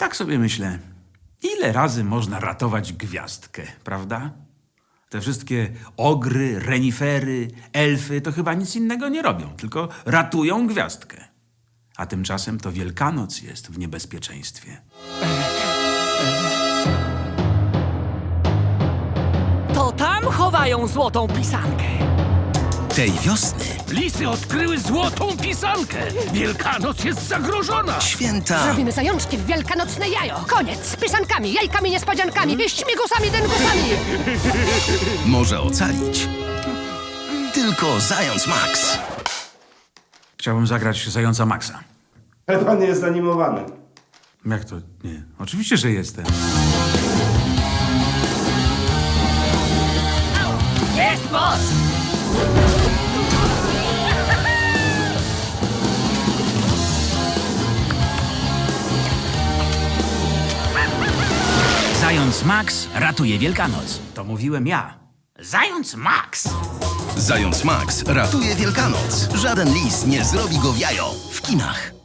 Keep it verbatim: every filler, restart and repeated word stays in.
Tak sobie myślę, ile razy można ratować gwiazdkę, prawda? Te wszystkie ogry, renifery, elfy to chyba nic innego nie robią, tylko ratują gwiazdkę. A tymczasem to Wielkanoc jest w niebezpieczeństwie. To tam chowają złotą pisankę. Tej wiosny Lisy odkryły złotą pisankę. Wielkanoc jest zagrożona. święta Robimy zajączki w wielkanocne jajo. Koniec z pisankami, jajkami, niespodziankami, śmigusami, dęgusami. może ocalić tylko Zając Max. Chciałbym zagrać Zająca Maxa. Ale pan nie jest animowany. Jak to? Nie. Oczywiście, że jestem. Jest moc! Zając Max ratuje Wielkanoc. To mówiłem ja. Zając Max! Zając Max ratuje Wielkanoc. Żaden lis nie zrobi go w jajo. W kinach.